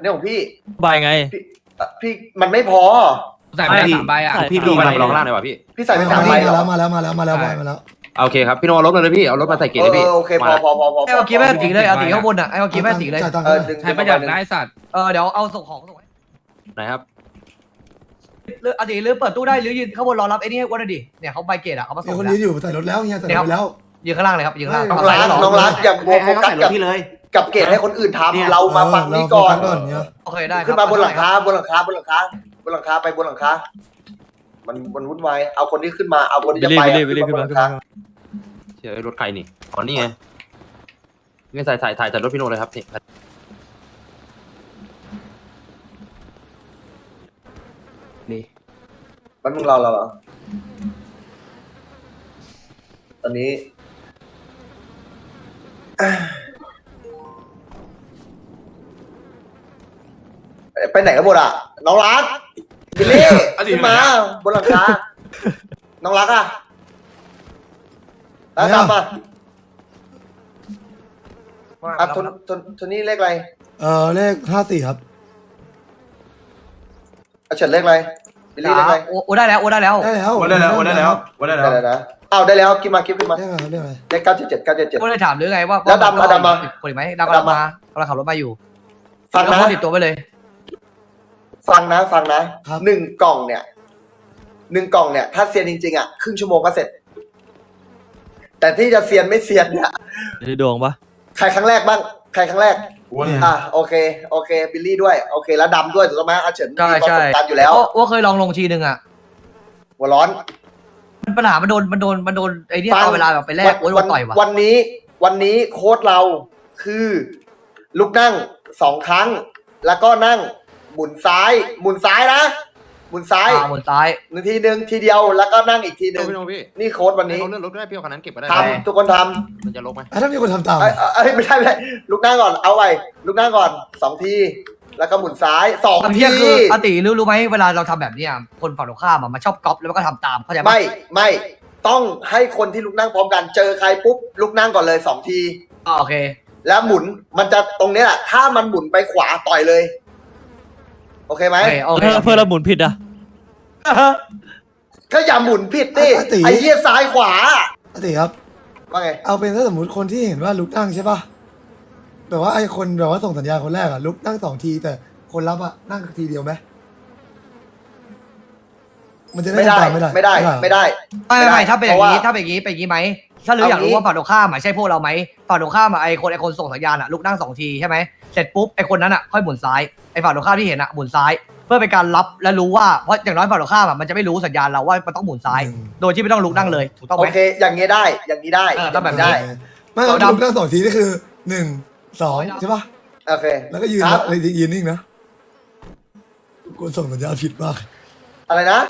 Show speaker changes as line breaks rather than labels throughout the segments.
เนี่ยของพี่
ใบไง
พี่มันไม่พอ
ใส่ไป3 ใบอ่ะ
พี่ดูมาลองล่างเลยว่ะพี่
พี่ใส่ไป3 ใบเหรอ
มาแล้ว
โอเคครับพี่โนเอารถมาเลยพี่เอารถมาใส่เกียร์เลยพี่
โอเคพอ
ไอ้เมื่อกี้แม่สีเลยเอาสีข้างบนอ่ะไอ้เมื่อกี้แม่สีเลย
ดึง
ใช้ประหยัดได้สัตว์
เดี๋ยวเอาส่งของส่ง
ไหนครับ
หรือเอาสีหรือเปิดตู้ได้หรือยืนข้างบนรอรับไอ้นี่ให้อ้วนหน่อยดิเนี่ยเขาใบเกตอ่ะเขามาส่
มี
ง
คน
แล้ว
ยืนอยู่ใส่รถแล้วเฮียใส่รถแล้ว
ยืนข้างล่างเลยครับยืนข้างล่าง
น้องรักอย่าโฟกัสกับเกตให้คนอื่นทำเรามาฟังนี่ก่อน
โอเคได้
ขึ้นมาบนหลังคาไปบนหลังคาบนหลังคามันวุ่นวายเอาคนที่ขึ้นมาเอาคนที่จะไปขึ้นมาบนหลังคา
เชื่อรถใครนี่อ๋อนี่ไงนี่ใส่ถ่ายรถพี่โนเลยครับนี่
มันมึงเราเหรอตอนนี้ไปไหนกันหมดอ่ะน้องรักบิลลี่ขึ้นมาบนหลังคาน้องรักอ่ะแล้วตามมาทนนี่เลขอะไร
เลข54ครับ
เฉินเลขอะไรบิลลี่เลขอะไร
โอ้ได้แล้ว
ได้แล้วได้แล้วกินมาขึ้นมาเลข977
ก็เลยถามหรือไงว่าคนไหมดำมากำลังขับรถมาอยู่
ฟังนะ
ติดตัวไปเลย
ฟังนะ1 กล่องเนี่ยถ้าเซียนจริงๆอ่ะครึ่งชั่วโมงก็เสร็จแต่ที่จะเซียนไม่เซียนเนี่ย
ได้ดวงปะ
ใครครั้งแรกบ้างใครครั้งแรกโอเคบิลลี่ด้วยโอเคแล้วดำด้วยถูกต้องไหมอาเฉินมีประสบการณ์อยู่แล้ว
ว่าเคยลองลงทีนึงอ่ะ
หัวร้อน
ปัญหามันโดนไอ้นี่เอาเวลาแบบไปแลกโดนต่อยว่ะ
วันนี้โค้ดเราคือลุกนั่ง2 ครั้งแล้วก็นั่งหมุนซ้ายนะหมุนซ้าย1 ทีนึงทีเดียวแล้วก็นั่งอีกทีนึงนี่โค้ดวันนี้
เลื่อนรถก็ได้พี่เอาคันนั้นเก็บไปได้
ทำทุกคนทำ
มันจะลกไหม
ถ้ามีคนทำตาม
ไม่ใช่ลุกนั่งก่อนเอาไว้ลุกนั่งก่อน2 ทีแล้วก็หมุนซ้าย2 ที
คืออติรู้ไหมเวลาเราทำแบบนี้คนฝั่งตรงข้ามมันชอบก๊อปแล้วก็ทำตามเข้าใจไหม
ไม่ต้องให้คนที่ลุกนั่งพร้อมกันเจอใครปุ๊บลุกนั่งก่อนเลย2 ที
โอเค
แล้วหมุนมันจะตรงนี้แหละถ้ามันหมุนไปขวาต่อยเลยโอเคไหม
เพื่อเราหมุนผิดอ่ะ
ก็อย่าหมุนผิดดิไอ้เหี้ยซ้ายขวา
ติครับ
ว่าไง
เอาเป็นถ้าสมมติคนที่เห็นว่าลุกนั่งใช่ป่ะแบบว่าไอ้คนแบบว่าส่งสัญญาณคนแรกลุกนั่ง2 ทีแต่คนรับนั่งทีเดียวไหมมันจะได้
ไม่ได้
ถ้าเป็นอย่างนี้ไหมถ้าอยากรู้ว่าฝั่งตรงข้ามใช่พวกเราไหมฝั่งตรงข้ามไอ้คนส่งสัญญาณลุกนั่ง2 ทีใช่ไหมเสร็จปุ๊บไอ้คนนั้นค่อยหมุนซ้ายไอ้ฝั่งตรงข้ามที่เห็นหมุนซ้ายเพื่อเป็นการรับและรู้ว่าเพราะอย่างน้อยฝั่งตรงข้ามมันจะไม่รู้สัญญาณเราว่ามันต้องหมุนซ้ายโดยที่ไม่ต้องลุกนั่งเลยถูกต้องไหม
โอเคอย่างนี้ได้
ต้องแบบนี้
ไม่ลุกนั่ง2 ทีนี่คือ1 2ใช่ป่ะ
โอเค
แล้วก็ยืนนิ่งนะคนส่งสัญญาณผิดมาก
อะไรนะ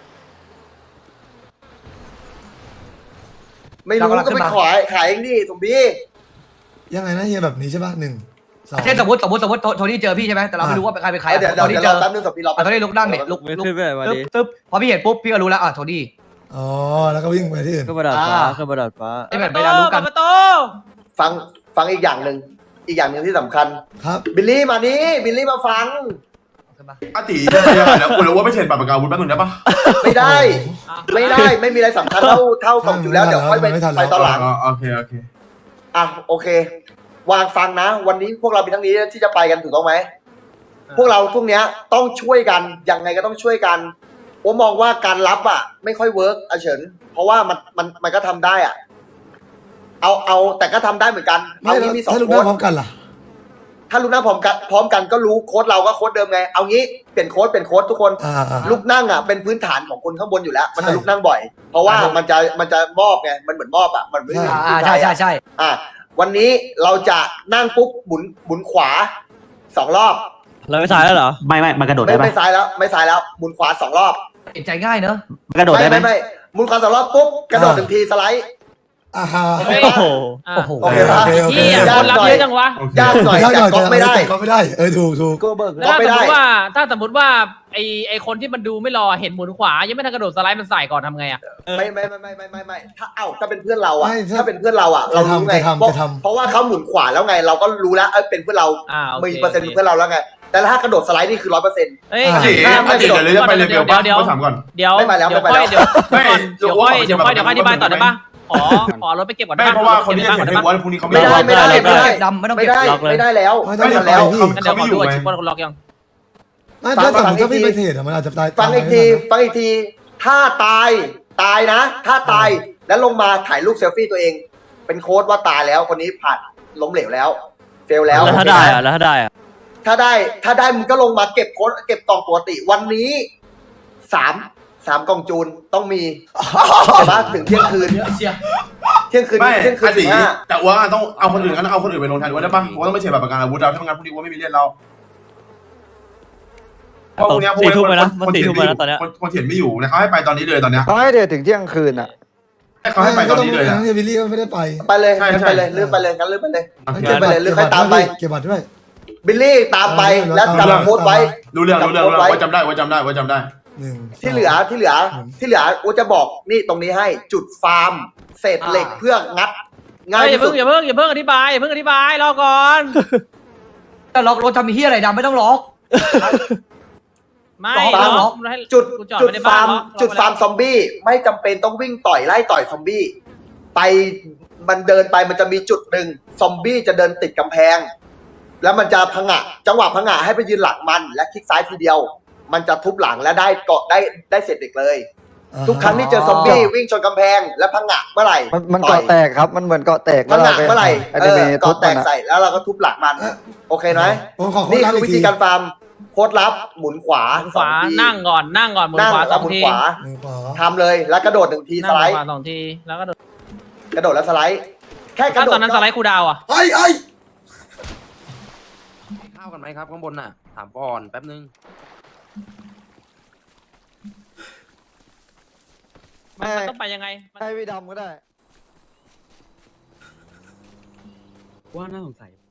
ไม่รู้ก็ไปขายเองดิสมบี้
ยังไงนะเฮียแบบนี้ใช่ป่ะ1 2
เช่นสมมติโทนี่เจอพี่ใช่ไหมแต่เราไม่รู้ว่าเป็นใคร
เดี๋ยว
โทนี่เจอ
แป๊บนึงสมบี้เรา
โทนี่ลุกนั่งเนี่ยลุกตึ๊บพอพี่เห็นปุ๊บพี่ก็รู้แล้วโทนี่
แล้วก็วิ่งไปที่อื่น
ขึ้นมาดาดฟ้า
ไอ้แบบเวลารู้กัน
ฟังอีกอย่างหนึ่งที่สำคัญ
ครับ
บิลลี่มานี่บิลลี่มาฟัง
อาติแล้วกูรู้ว่าไม่เช่นปากกาวุ้นแป๊บนึงได้ปะ
ไม่ได้ไม่มีอะไรสำคัญเท่ากับอยู่แล้วเดี๋ยวค่อยไปตอนหลัง
โอเค
โอเควางฟังนะวันนี้พวกเรามีทั้งนี้ที่จะไปกันถูกต้องไหมพวกเราพวกเนี้ยต้องช่วยกันยังไงก็ต้องช่วยกันผมมองว่าการรับไม่ค่อยเวิร์กเฉินเพราะว่ามันก็ทำได้เอาแต่ก็ทำได้เหมือนกัน
เอางี้มี2 โค้ดถ้าลุกนั่งพร้อมกันล่ะ
ถ้าลุกนั่งพร้อมกันก็รู้โค้ดเราก็โค้ดเดิมไงเอางี้เปลี่ยนโค้ดทุกคนลุกนั่งเป็นพื้นฐานของคนข้างบนอยู่แล้วมันจะลุกนั่งบ่อยเพราะว่ามันจะมอบไงมันเหมือนมอบมันไม่
ใช่
วันนี้เราจะนั่งปุ๊บหมุนขวา2 รอบ
เราไม่ซ้ายแล้วเหรอ
ไม่มันกระโดดได้ไหม
ไม่ซ้ายแล้วหมุนขวา2 รอบ
ใจง่ายเนอะ
กระโดดได้ไหม
ไม่หมุนขวา2 รอบปุ๊บกระโดด1 ทีสไลด์
โอเค
ป่ะ
คนรับเยอะจังวะ
ยากหน่อยแต่ก็ไม่ได้
ถูก
ถ้าสมมติว่าไอคนที่มันดูไม่รอเห็นหมุนขวายังไม่ทันกระโดดสไลด์มันใส่ก่อนทำไง
ไม่ถ้าเป็นเพื่อนเราถ้าเป็นเพื่อนเราเรารู้ไงเพราะว่าเขาหมุนขวาแล้วไงเราก็รู้แล้วเป็นเพื่อนเรามีเปอร์เซ็นต์เพื่อนเราแล้วไงแต่ถ้ากระโดดสไลด์นี่คือ100%
เอ้ย
อาติอาติเดี๋ยวจะไปเลเวลป่ะเขาถามก่อน
เดี๋ยว
ไม่ไปแล้ว
เดี๋ยว
ไม่ไป
ค่อย
แล้ว
เดี๋ยวค่อยอธิบายต่อได้ปะขอรถไปเก็บก่อนได้
ไม่
ปะ
เพราะว่าคนที่จะ
ก่
เขียน
ได้
ให้
ปะ
ว่าพรุ่งนี้เขา
ไม่ได้ไม่ได้ไม่ได้
ดำไม่ต้อง
ไม่
เก็บ
ได้
ล็อกเลย
ไม่ได้แล้ว
ไม่
ไม่
ต้อง
ทันแล้ว
งั้นเดี๋ยวขอดูชิปว่าล็อกยัง
ไม่ถ้าสมมติถ้าพี่ไปเทรดอะมันอาจจะตาย
ฟังอีกทีฟังอีกที ถ้าตายนะ ถ้าตายแล้วลงมาถ่ายรูปเซลฟี่ตัวเอง เป็นโค้ดว่าตายแล้วคนนี้ผ่านล้มเหลวแล้วเฟลแล้ว
แล้วถ้าได้อะแล้วถ้าได้อะ
ถ้าได้มึงก็ลงมาเก็บโค้ดเก็บกล่องปกติวันนี้3กล่องจูนต้องมีแต่ว่าถึงเที่ยงคืนเที่ยงคืน
ไม่
เที่ยงคืน
อาติ
15
แต่ว่าต้องเอาคนอื่นกันเอาคนอื่นไปลงแทนว่าได้ป่ะว่าต้องไม่เฉียดแบบประกันอาวุธเราถ้างั้นพรุ่งนี้ว่าไม่มีเล่นเรา
4 ทุ่มไปนะมัน4 ทุ่มไปนะตอนเนี้ย
คนเถียนไม่อยู่นะเขาให้ไปตอนนี้เลยตอนเนี้ย
เขาให้เดี๋ยวถึงเที่ยงคืนอ่ะ
เขาให้ไปตอนนี้เลย
ทั้
อ่ะ
งที่วิลลี่ก็ไม่ได้ไป
ไปเลย
ใช่
งั้นไปเลยเลื่อนไปเลยงั้นเลื่อนไปเลย
เก็บ
ไปเลยหรือใครตามไป
เก็บบัตรด้วย
บิลลี่ตามไปแล้วจำโค้ดไว้
รู้เรื่องว่าจำได้ว่าจำได้
หนึ่ง
ที่เหลือกูจะบอกนี่ตรงนี้ให้จุดฟาร์มเศษเหล็กเพื่องัดง่าย
อย่า
ที่สุ
เพิ่
ด
งอย่าเพิ่งอธิบายรอก่อน
แต่ล็อกรถทำมีที่อะไรดำไม่ต้องล็อก
ไม่
ฟาร์ม
ล็อก
จุด
กูจอด
จุด
ไว้ใน
ฟา
บ้าน
ร์ม
ล็อก
จุดฟาร์มซอมบี้ไม่จำเป็นต้องวิ่งไล่ต่อยซอมบี้ไปมันเดินไปมันจะมีจุดหนึ่งซอมบี้จะเดินติดกำแพง แล้วมันจะพังะจังหวะพังะให้ไปยืนหลังมันและคลิกซ้ายทีเดียว มันจะทุบหลังและได้เกาะได้เสร็จเด็กเลย ทุกครั้งที่เจอซอมบี้วิ่งชนกำแพงและพังะเมื่อไหร่
มัน
ต่อย
เกาะแตกครับ มันเหมือนเกาะแตก
พังะเมื่อไหร่
อนิเมะทุบ
เกาะแต
มัน
ก
อะ
ใส่แล้วเราก็ทุบหลังมัน โอเคไหม
ผมขอโค้ด
นี่
ลับ
คือ
อี
วิ
ก
ธี
ที
การฟาร์มโค้ดลับหมุนขวา
ขวา
2ที
นั่งก่อนหมุน
นั่ง
ขวา
แล้ว
2
หมุน
ที
ขวา
หนึ่งขวา
ทำเลยแล้วกระโดด1 ทีส
นั่ง
ไลด์
ขวา2 ทีแล้วก็
กระโดดแล้วสไลด์แค่ก
ถ้า
ระโดด
ตอนนั้นสไลด์คูลดาวน์อ่ะ
ไอ้
ข้าวกันไหมครับข้างบนน่ะถามก่อนแป๊บนึง
มันต้องไปยังไง
ให้พี่ดำก็ได้
ว่าน่าสงสัย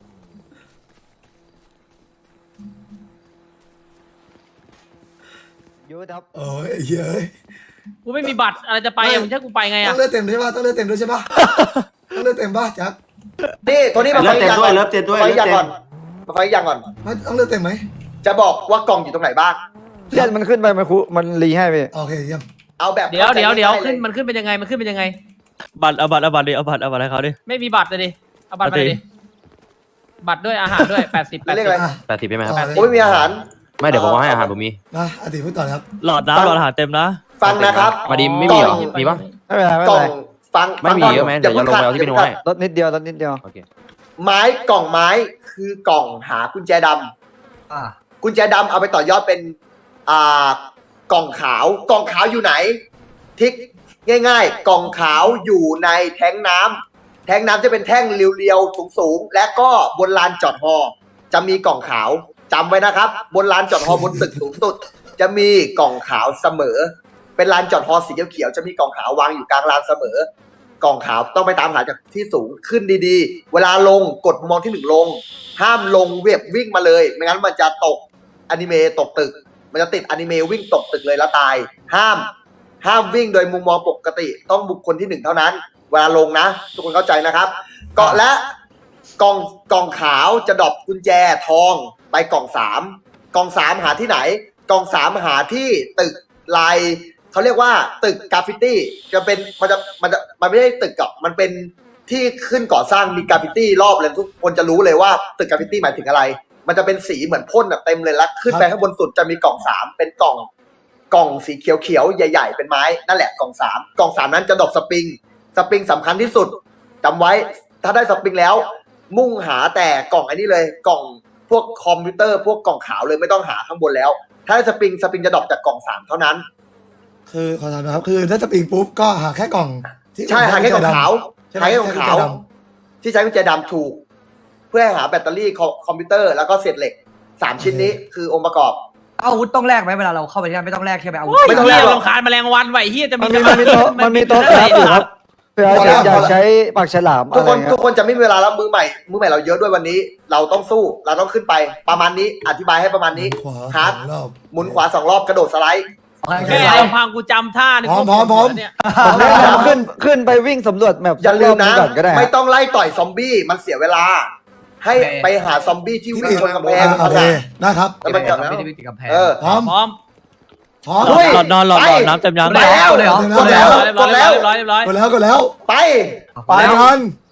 ยูครับ
โอ้ยเฮ้ย
กูไม่มีบัตรอะไรจะไปอ่ะมึงจะให้กูไปไง
ต้
อ่ะ
องเลือดเต็มใช่ป่ะต้องเลือดเต็มด้วยใช่ป่ะต้องเลือดเต็มป่ะแจ็ค
นี่ตัวนี้มาฟังอีกอย่างก่อนมาฟังอีกอย่างก่อน
ต้องเลือดเต็มไหม
จะบอกว่ากล่องอยู่ตรงไหนบ้าง
เลือดมันขึ้นไปมันรีให้พี่
โอเคเยี่ยม
เอาแบบ
เดี๋ยว
ข้าใจ
ขึ้น
ง่ายๆ
มันขึ้นเป็นยังไง
บัตรเอาบัตรดิเอาบัตรให้เขาดิ
ไม่มีบัตรเลยดิเอาบัตรมาเลยดิบัตรด้วยอาหารด้วย80
เรียกอะไร
อ่ะ
80ใช่ไหมครับ
ต่อเลย
โอ้ยมีอาหาร
ไม่เดี๋ยวผมว่าให้อาหารผมมี
มาอาติพูดต่อนะครับ
หลอดอาหารเต็มนะ
ฟังนะครับ
มาดีไม่มีเหรอมีปะ
ไม่เป็นไรไม่
ก
เป็
ล่
น
อง
ไร
ฟัง
ไม่มี
ฟังก่น
เยอะไหมเดี๋ยวจะลงไปเอาที่พี่โน้ตให้
ลดนิดเดียวลดนิดเดียว
โอเค
ไม้กล่องไม้คือกล่องหากุญแจดำ
อ่า
กุญแจดำเอาไปต่อยอดเป็นกล่องขาวกล่องขาวอยู่ไหน ทิกง่ายๆ กล่องขาวอยู่ในแท้งน้ำแท้งน้ำจะเป็นแท่งเรียวๆสูงๆและก็บนลานจอดฮอจะมีกล่องขาวจำไว้นะครับ บนลานจอดฮอบนตึกสูงสุดจะมีกล่องขาวเสมอ เป็นลานจอดฮอสีเขียวๆจะมีกล่องขาววางอยู่กลางลานเสมอกล่องขาวต้องไปตามหาจากที่สูงขึ้นดีๆ เวลาลงกดมุมมองที่ 1ลง ห้ามลงเว็บวิ่งมาเลยไม่งั้นมันจะตกอนิเมะตกตึก มันจะติดอนิเมะวิ่งตกตึกเลยแล้วตาย ห้ามวิ่งโดยมุมมองปกติต้องบุคคลที่1เท่านั้น เวลาลงนะ ทุกคนเข้าใจนะครับเกาะและกล่องขาวจะดรอปกุญแจทองไปกล่อง3กล่อง3หาที่ไหนกล่อง3หาที่ตึกลายเขาเรียกว่าตึกกราฟฟิตี้จะเป็นมันไม่ใช่ตึกกับมันเป็นที่ขึ้นก่อสร้างมีกราฟฟิตี้รอบเลยทุกคนจะรู้เลยว่าตึกกราฟฟิตี้หมายถึงอะไร มันจะเป็นสีเหมือนพ่นแบบเต็มเลยแล้วขึ้นไปข้างบนสุดจะมีกล่อง3เป็นกล่องสีเขียวๆใหญ่ๆเป็นไม้นั่นแหละกล่อง3กล่อง3นั้นจะดรอปสปริงสำคัญที่สุดจำไว้ถ้าได้สปริงแล้วมุ่งหาแต่กล่องอันนี้เลยกล่องพวกคอมพิวเตอร์พวกกล่องขาวเลยไม่ต้องหาข้างบนแล้วถ้าได้สปริงจะดรอปจากกล่อง3เท่านั้น
คือขอถามนะครับคือถ้าจะปิงปุ๊บก็หาแค่กล่องที่
ใช่หาแค่กล่องขาว
ใช่ไหม
หาแค่กล่องขาวที่ใช้กุญแจดำถูก เพื่อให้หาแบตเตอรี่คอมพิวเตอร์แล้วก็เศษเหล็ก3ชิ้นนี้คือองค์ประกอบ
อาวุธต้องแลกไหมเวลาเราเข้าไปที่นั่นไม่ต้องแลกใช่ไหมอาวุธ
ไม่ต้องแลกหรอก
รำคาญแมลงวันไหวเฮียจะมี
มันมีโต๊ะครับอยู่ครับเผื่ออยากใช้ปากฉลาม
ทุ
อะ
ก
ไร
คน
เงี้
ทุ
ย
กคนจะไม่มีเวลาแล้วมือใหม่เราเยอะด้วยวันนี้ เราต้องสู้เราต้องขึ้นไปประมาณนี้อธิบายให้ประมาณนี้
ขวา
ฮาร์ด
รอบ
หมุนขวา2 รอบกระโดดสไลด์
แค่ลำพังกูจำท่านี่
พร้อม
เนี่ย
ผมแนะนำขึ้นไปวิ่งสำรวจแมป
อย่าลืมนะ
ก่อนก็ได้
ไม่ต้องไล่ต่อยซอมบี้มันเสียเวลาให้ไปหาซอมบี้ที่
ที่
วิ่ง
ติด
ชนกำแพง
โอเคได้ครับ
แล้วมันจะ
ไม่ได้วิ่งติดกำแพง
พร้อม
พร้อม
พร้อม
เฮ้ย
นอนน้ำเต็มยัง
แล้ว
เลยเหรอ
กดแล้ว
เรียบร้อยเรียบร้อยเรียบร้อย
กดแล้ว
ไป
ไปกัน